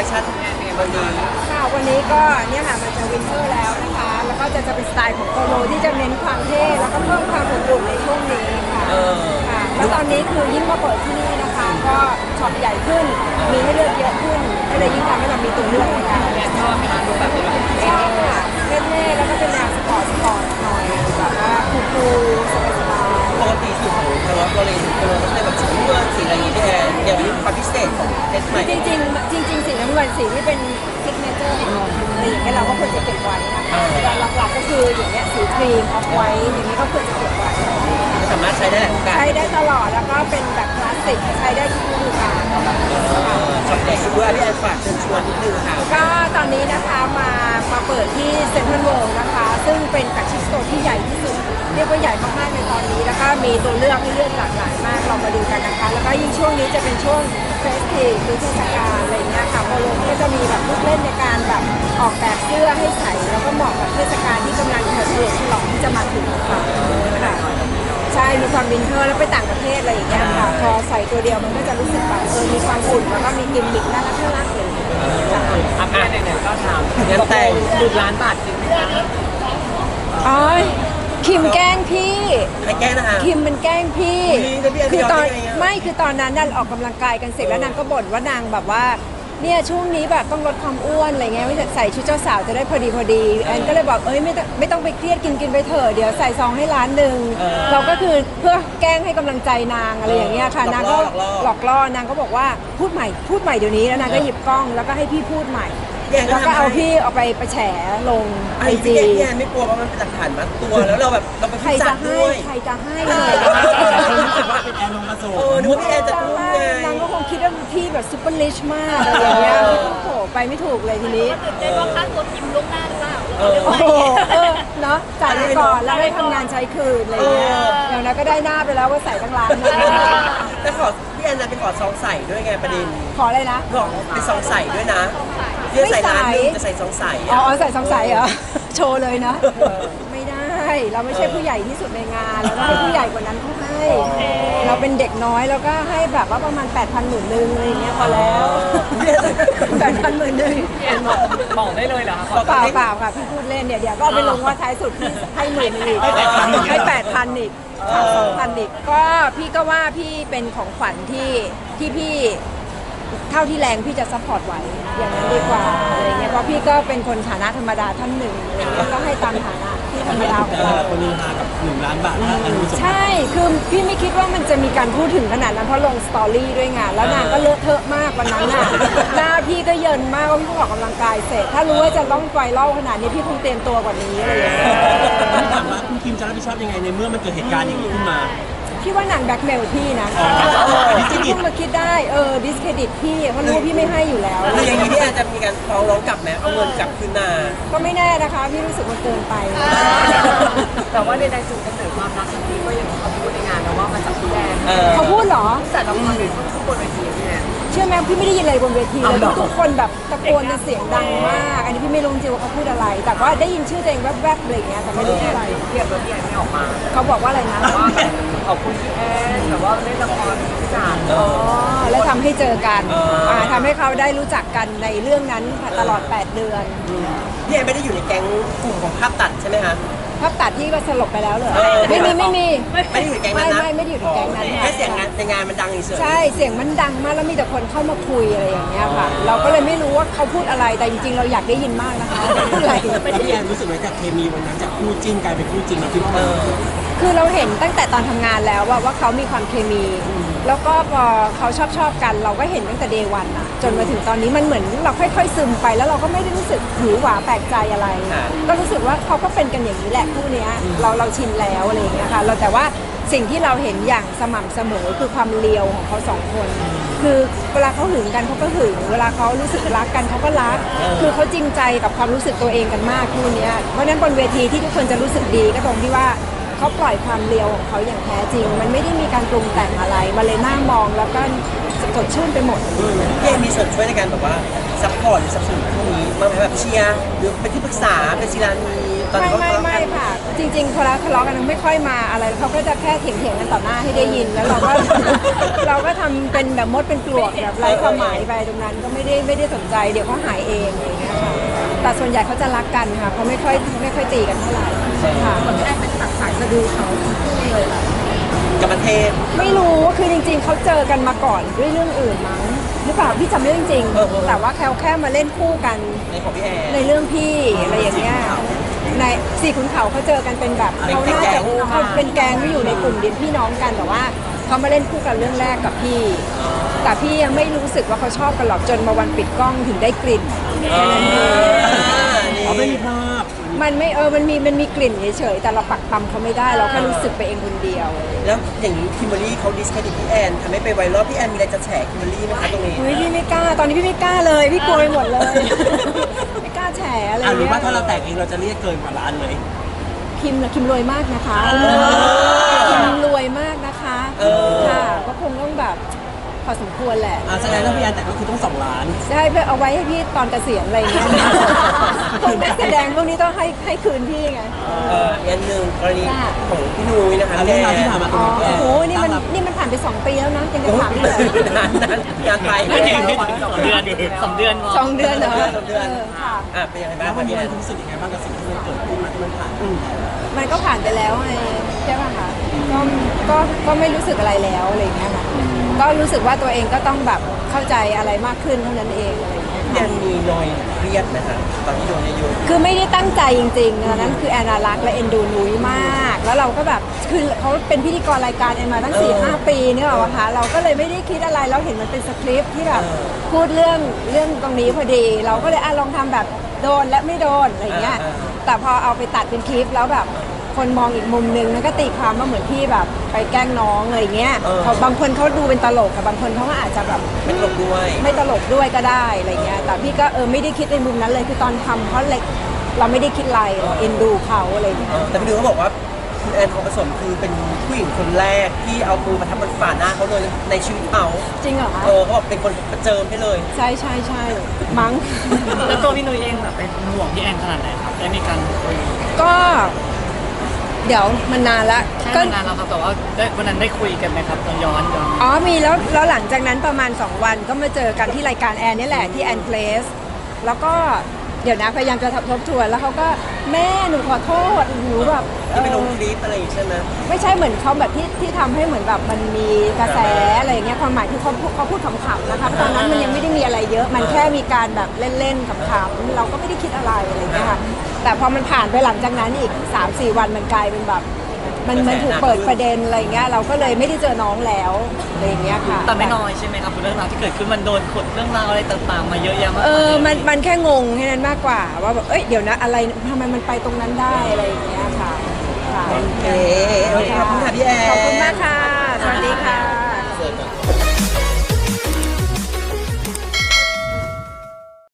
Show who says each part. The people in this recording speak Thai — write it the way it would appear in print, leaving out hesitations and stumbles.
Speaker 1: คชั่นวันนี้
Speaker 2: ค่ะวันนี้ก็เนี่ยค่ะมันจะวินเทอร์แล้วนะคะแล้วก็จะเป็นสไตล์ของโปโลที่จะเน้นความเท่แล้วก็เพิ่มความอบอุ่นในช่วงนี้ค่ะค่ะแล้วตอนนี้คือยิ่งมาเปิดที่นี่นะคะก็ช็อปใหญ่ขึ้นมีให้เลือกเยอะขึ้นก็เลยยิ่งทำให้เรามีตัวเลือกในการชอบไหมคะดูแบบชอบค่ะเท่ๆแล้วก็เป็นแนวสปอร์ตหน่อยแบบว่าคูลๆสบายๆ
Speaker 1: ปกติสีของทางเราเลยสีเราจะแบบสีเงินสีอะไรอย่างเงี้ยเดี๋ยวนี้ความพิเศษของเอสใหม่
Speaker 2: จริงสีน้ำเงินสีที่เป็นซิกเนเจอร์ของเราอะไรอย่างเงี้ยเราก็ควรจะเก็บไว้นะคะแต่หลักๆก็คืออย่างเงี้ยสีครีมออฟไว้อย่างนี้ก็ควรจะเก็บไว้
Speaker 1: สามารถใช้ได้หลายโอกาส
Speaker 2: ใช้ได้ตลอดแล้วก็เป็นแบบคลาสสิกใช้ได้ทุกฤดูกาล
Speaker 1: ช็อปใหญ่ด้วยพี่แอนฝากเชิญชวนนิดนึงค่ะ
Speaker 2: ก็ตอนนี้นะคะมาเปิดที่เซ็นทรัลเวิลด์นะคะซึ่งเป็นแฟลกชิพสโตร์ที่ใหญ่ที่สุดเรียกว่าใหญ่มากๆในตอนนี้แล้วก็มีตัวเลือกให้เลือกหลากหลายมากเรามาดูกันนะคะแล้วก็ยิ่งช่วงนี้จะเป็นช่วงเฟสทีฟหรือเทศกาลอะไรเงี้ยค่ะโปโลก็จะมีแบบลูกเล่นในการแบบออกแบบเสื้อให้ใส่แล้วก็เหมาะกับเทศกาลที่กำลังเฉลิมฉลองที่จะมาถึงค่ะใช่มีความวินเทอร์แล้วไปต่างประเทศอะไรอย่างเงี้ยค่ะพอใส่ตัวเดียวมันก็จะรู้สึกแบบมีความอุ่นแล้วก็มีกิมมิคน่ารักเลย
Speaker 3: อัพแอนเนี่ยก็ทำงานแต่ง10 ล้านบาทจริงไหมคะ
Speaker 2: อ๋อคิมแกล้งพี่
Speaker 1: ใครแกล้งนะคะ
Speaker 2: คิมมันแกล้งพี่
Speaker 1: คือ
Speaker 2: ตอนไม่คือตอนนั้นนั่นออกกำลังกายกันเสร็จแล้วนางก็บ่นว่านางแบบว่าเนี่ยช่วงนี้แบบต้องลดความอ้วนอะไรเงี้ยไม่ใส่ชุดเจ้าสาวจะได้พอดีแอนก็เลยบอกไม่ต้องไปเครียดกินไปเถอะเดี๋ยวใส่ซองให้1 ล้านเราก็คือเพื่อแกล้งให้กำลังใจนางอะไรอย่างเงี้ยค่ะนางก็หลอกล่อนางก็บอกว่าพูดใหม่เดี๋ยวนี้แล้วนางก็หยิบกล้องแล้วก็ให้พี่พูดใหม่แล้วก็เอาพี่เอาไปแฉลง
Speaker 1: ไอจีเนี่ยไม่กลัวว่ามันเป็นหลักฐานมัดตัวแล้วเราแบบเราไปพูดจัดด้วย
Speaker 2: ใครจะให้
Speaker 3: รู้สึกว่าเป็นแอนลงมาโซ่
Speaker 1: นึกว่าพี่แอนจะพูดไง
Speaker 2: นางก็คงคิดว่าพี่แบบซุปเปอร์ลิชมากอะไรอย่างเงี้ยโอ้โหไปไม่ถูกเลยทีนี้
Speaker 4: ตื่นเต้นว่าค่าตัวคิมล่วงหน้าหรือเปล่า
Speaker 2: โอ้โหเนาะจ่ายไปก่อนแล้วได้ทำงานใช้คืนอะไรเงี้ยอย่างนั้นก็ได้หน้าไปแล้วว่าใส่ตั้ง1 ล้าน
Speaker 1: แต่ขอพี่แอนจะไปขอซองใส่ด้วยไงประเด็น
Speaker 2: ขออะไรนะ
Speaker 1: บอกเป็นซองใส่ด้วยนะเรื่องใส่ร้านนึงจะใส่ซองใส่
Speaker 2: อ๋อใส่ซองใส่เหรอโชว์เลยนะไม่ได้เราไม่ใช่ผู้ใหญ่ที่สุดในงานเราต้องให้ผู้ใหญ่กว่านั้นเขาให้เราเป็นเด็กน้อยแล้วก็ให้แบบว่าประมาณ8,000 10,000อะไรอย่างเงี้ยพอแล้ว8,000 10,000
Speaker 3: บอกได้เลยเหรอคะ
Speaker 2: เปล่าค่ะพี่พูดเล่นเดี๋ยวก็ไปลงว่าท้ายสุดพี่ให้10,000อีกให้8,000อีก2,000อีกก็พี่ก็ว่าพี่เป็นของขวัญที่พี่เท่าที่แรงพี่จะซัพพอร์ตไหวอย่างนั้นดีกว่าอะไรเงี้ยเพราะพี่ก็เป็นคนฐานะธรรมดาท่านหนึ่งก็ให้ตามฐานะที่ธรรมดาของเรา
Speaker 3: คนนี้มากับ1 ล้านบาท
Speaker 2: ใช่คือพี่ไม่คิดว่ามันจะมีการพูดถึงขนาดนั้นเพราะลงสตอรี่ด้วยไงแล้วนางก็เลอะเทอะมากวันนั้นน่ะหน้าพี่ก็เยินมากว่าพี่ออกกำลังกายเสร็จถ้ารู้ว่าจะต้องไฟเล่าขนาดนี้พี่คงเตรียมตัวกว่านี้อะไรอย่างเงี้ย
Speaker 3: ถามว่าคุณคิมจะรับผิดชอบยังไงในเมื่อมันเกิดเหตุการณ์อย่างนี้ขึ้นมา
Speaker 2: พี่ว่านางแบ็คเมลพี่นะพี่มาคิดได้ดิสเครดิตพี่เพราะรู้ว่าพี่ไม่ให้อยู่แล้ว
Speaker 1: คืออย่างนี้พี่แอนจะมีการฟ้องร้องกลับไหมเอาเงินกลับคืนมา
Speaker 2: ก็ไม่แน่นะคะพี่รู้สึกมันเกินไป
Speaker 3: แต่ว่าในจุดกำเนิดความรักครั้งนี้ก็ยังเขาพูดในงานนะว่ามาจากพี่แอน
Speaker 2: เขาพูดเหรอ
Speaker 3: แต่ละคนเขาพูดบนเวทีพี่แอน
Speaker 2: เชื่อไหมพี่ไม่ได้ยินอะไรบนเวทีเลยทุกคนแบบตะโกนเสียงดังมากอันนี้พี่ไม่รู้จริงว่าเขาพูดอะไรแต่ว่าได้ยินชื่อตัวเองแวบๆอะไรอย่างเงี้ยแต่ไม่รู้อะไร
Speaker 3: เทียบแล้วพี่แอนไม่ออกมา
Speaker 2: เขาบอกว่าอะไรนะ
Speaker 3: ว่าขอบคุณพี่แอนแบบว่าเล่นละครพิจารณ์
Speaker 2: แล้วทำให้เจอกันทำให้เขาได้รู้จักกันในเรื่องนั้นตลอด8 เดือน
Speaker 1: พี่แอนไม่ได้อยู่ในแก๊งกลุ่มของภาพตัดใช่ไหมคะ
Speaker 2: ภาพตัดที่ว่าสลบไปแล้วเลยไม่มี
Speaker 1: ไม่ได้อยู่ในแก๊งนั้นนะ
Speaker 2: ไม่ได้อยู่ในแก๊งนั้น
Speaker 1: แค่เสียงในงานมันดังเฉย
Speaker 2: ใช่เสียงมันดังมากแล้วมีแต่คนเข้ามาคุยอะไรอย่างเงี้ยค่ะเราก็เลยไม่รู้ว่าเขาพูดอะไรแต่จริงๆเราอยากได้ยินมากนะคะพูดอะไร
Speaker 3: พี่แอนรู้สึกว่าจากเคมีวันนั้นจากคู่จิ้นกลายเป็นคู่จริงเราคิดว่า
Speaker 2: คือเราเห็นตั้งแต่ตอนทำงานแล้วว่าเขามีความเคมีแล้วก็พอเขาชอบกันเราก็เห็นตั้งแต่เดย์วันอะจนมาถึงตอนนี้มันเหมือนเราค่อยๆซึมไปแล้วเราก็ไม่ได้รู้สึกหือหวาแปลกใจอะไรก็รู้สึกว่าเขาก็เป็นกันอย่างนี้แหละคู่นี้เราชินแล้วอะไรอย่างเงี้ยค่ะเราแต่ว่าสิ่งที่เราเห็นอย่างสม่ำเสมอคือความเลียวของเขา2 คนคือเวลาเขาหึงกันเขาก็หึงเวลาเขารู้สึกรักกันเขาก็รักคือเขาจริงใจกับความรู้สึกตัวเองกันมากคู่นี้เพราะนั้นบนเวทีที่ทุกคนจะรู้สึกดีก็ตรงที่ว่าเขาปล่อยความเลียวของเขาอย่างแท้จริงมันไม่ได้มีการปรุงแต่งอะไรมาเลยน่ามองแล้วก็สดชื่นไปหมด
Speaker 1: พี่เอมีส่วนช่วยในการแบบว่าซัพพอร์ตหรือสนับสนุนพวกนี้มาแบบเชียร์หรือเป็นที่ปรึกษาเป็นศิลานี
Speaker 2: ตอนนี้ไม่ค่ะจจริงๆพอเราทะเลาะกันไม่ค่อยมาอะไรเขาก็จะแค่เถียงๆกันต่อหน้าให้ได้ยินแล้วเราก็ เราก็ทำเป็นแบบมดเป็นปลวกแบบไร้ความหมายไปตรงนั้นก็ไม่ได้สนใจเดี๋ยวเขาหายเองอะไรอย่างเงี้ยค่ะแต่ส่วนใหญ่เขาจะรักกันค่ะเขาไม่ค่อยตีกันเท่าไหร่ค่ะ
Speaker 4: แอนเป็นตัดสายสะดือเขาเลยล่ะ
Speaker 1: กับประเทศ
Speaker 2: ไม่รู้คือจริงๆเขาเจอกันมาก่อนด้วยเรื่องอื่นมั้งหรือเปล่าพี่จำไม่ได้จริงๆแต่ว่าแค่มาเล่นคู่กัน
Speaker 1: ในของพี่แอน
Speaker 2: ในเรื่องพี่อะไรอย่างเงี้ยในสี่ขุนเขาเขาเจอกันเป็นแบบเขาน่าจะเขาเป็นแก๊งที่อยู่ในกลุ่มเดียวพี่น้องกันแต่ว่าเขามาเล่นคู่กันเรื่องแรกกับพี่ แต่พี่ยังไม่รู้สึกว่าเขาชอบกันหรอกจนมาวันปิดกล้องถึงได้กลิ่นแค่นั้นเอง
Speaker 5: อ๋อไม่มีภาพ
Speaker 2: มันไม่มันมีกลิ่นเฉยๆแต่เราปักปั๊มเขาไม่ได้เราแค่รู้สึกไปเองคนเดียว
Speaker 1: แล้วอย่างนี้คิมเบอรรี่เขาดิสเครดิตพี่แอนทำให้ไปไวรัลพี่แอนมีอะไรจะแฉคิมเบอรรี่ไหมคะตรงนี้
Speaker 2: เฮ้ยพี่ไม่กล้าตอนนี้พี่ไม่กล้าเลยพี่กลัวไปหมดเลย ไม่กล้าแฉอะไร
Speaker 5: หรือ
Speaker 2: เงี้ย
Speaker 5: ว่าถ้าเราแตกเองเราจะเรียกเกินกว่าล้านไหม
Speaker 2: คิมรวยมากนะคะคิมรวยมากนะคะค่ะก็คงต้องแบบพอสมควรแหละ
Speaker 5: แสดงว่าพี่แอนแต่ก็คือต้อง2 ล้าน
Speaker 2: จะให้เพื่อเอาไว้ให้พี่ตอนเกษียณอะไรเงี้ยพวกนักแสดงพวกนี้ต้องให้คืนพี่ไง
Speaker 1: อันหนึ่งกรณีของพี่นุ้ยนะคะ
Speaker 5: เรื่องราวที่ผ่านมาตร
Speaker 2: อ๋
Speaker 5: ง
Speaker 2: อ
Speaker 5: นี้พี่แอน
Speaker 2: โอ้โหนี่มันผ่านไป2 ปีแล้วนะยังจะถามอีกเหรอ
Speaker 1: นานงานไป
Speaker 3: ไม่ถึง2 เดือน
Speaker 2: 2 เดือนเหรอ
Speaker 1: 2 เดือน
Speaker 2: ค่ะ
Speaker 1: เป็นยังไงบ้า
Speaker 5: แล้
Speaker 1: ง
Speaker 5: ววัน
Speaker 1: พี่
Speaker 5: นี้
Speaker 1: แอน
Speaker 5: มันรู้สึกยังไงบ้างกับสิ่งที่มันเกิดขึ้นมาที่มันผ่านมา
Speaker 2: มันก็ผ่านไปแล้วไงใช่ป่ะคะก็ไม่รู้สึกอะไรแล้วอะไรเงี้ยค่ะก็รู้สึกว่าตัวเองก็ต้องแบบเข้าใจอะไรมากขึ้นเท่านั้นเองอะไรเงี้ย
Speaker 1: พี่แอนมีนอยเครียดไหมคะตอนที่โดนเยอะ
Speaker 2: คือไม่ได้ตั้งใจจริงๆอันนั้นคือแอนนารักและเอ็นดูนุ้ยมาก แล้วเราก็แบบคือเขาเป็นพิธีกรรายการแอนมาตั้ง 4-5 ปีเนี่ยหรอคะเราก็เลยไม่ได้คิดอะไรเราเห็นมันเป็นสคริปต์ที่แบบพูดเรื่องตรงนี้พอดี เราก็เลยลองทำแบบโดนและไม่โดนอะไรเงี้ยแต่พอเอาไปตัดเป็นคลิปแล้วแบบคนมองอีกมุมนึงมันก็ตีความว่าเหมือนพี่แบบไปแกล้งน้องอะไรเงี้ยเขาบางคนเขาดูเป็นตลกกับบางคนเขาก็อาจจะแบบ
Speaker 1: ๆไม่ตลกด้วย
Speaker 2: ไม่ตลกด้วยก็ได้อะไรเงี้ยแต่พี่ก็ไม่ได้คิดในมุมนั้นเลยคือตอนทำเพราะเล็กเราไม่ได้คิดอะไรเราเอ็นดูเขาอะไรเงี้ย
Speaker 1: แต่พี่นุ้ยเขาบอกว่าคุณแอนทองผสมคือเป็นผู้หญิงคนแรกที่เอามือมาทับบนฝ่าหน้าเขาเลยในชีวิตเขา
Speaker 2: จริงเหรอคะ
Speaker 1: เขาบอกเป็นคนประเจิมให้เลย
Speaker 2: ใช่มั้ง
Speaker 3: แล้วตัวพี่นุ้ยเองแบบเป็นห่วงพี่แอนขนาดไหนครับได้มีการคุย
Speaker 2: ก็เดี๋ยวมันนานละ
Speaker 3: แค่นานแล้วครับแต่ว่าวันนั้นได้คุยกันไหมครับย้อน
Speaker 2: อ๋อมีแล้วหลังจากนั้นประมาณ2 วันก็มาเจอกันที่รายการแอนนี่แหละที่แอนเพลสแล้วก็เดี๋ยวนะพยายามจะทบทวนแล้วเขาก็แม่หนูขอโทษหนูแบบ
Speaker 1: ที่ไปลงคลิปอะไรอย่างงี้ใช่ไหม
Speaker 2: ไม่ใช่เหมือนเขาแบบที่ทำให้เหมือนแบบมันมีกระแสอะไรอย่างเงี้ยความหมายคือเขาพูดขำๆนะคะตอนนั้นมันยังไม่ได้มีอะไรเยอะมันแค่มีการแบบเล่นๆขำๆเราก็ไม่ได้คิดอะไรอะไรอย่างเงี้ยค่ะแต่พอมันผ่านไปหลังจากนั้นอีก 3-4 วันมันกลายเป็นแบบมันถูกเปิดประเด็นอะไรเงี้ยเราก็เลยไม่ได้เจอน้องแล้วอะไรอย่างเงี้ยค่ะ
Speaker 3: แต่ไม่น้อยใช่ไหมครับเรื่องราวที่เกิดขึ้นมันโดนขดเรื่องราวอะไรต่างๆมาเยอะแยะมาก
Speaker 2: มันแค่งงแค่นั้นมากกว่าว่าแบบเดี๋ยวนะอะไรทำไมมันไปตรงนั้นได้อะไรอย่างเงี้ยค่ะ
Speaker 1: โอเคขอบคุณค่ะพี่แอน
Speaker 2: ขอบคุณมากค่ะ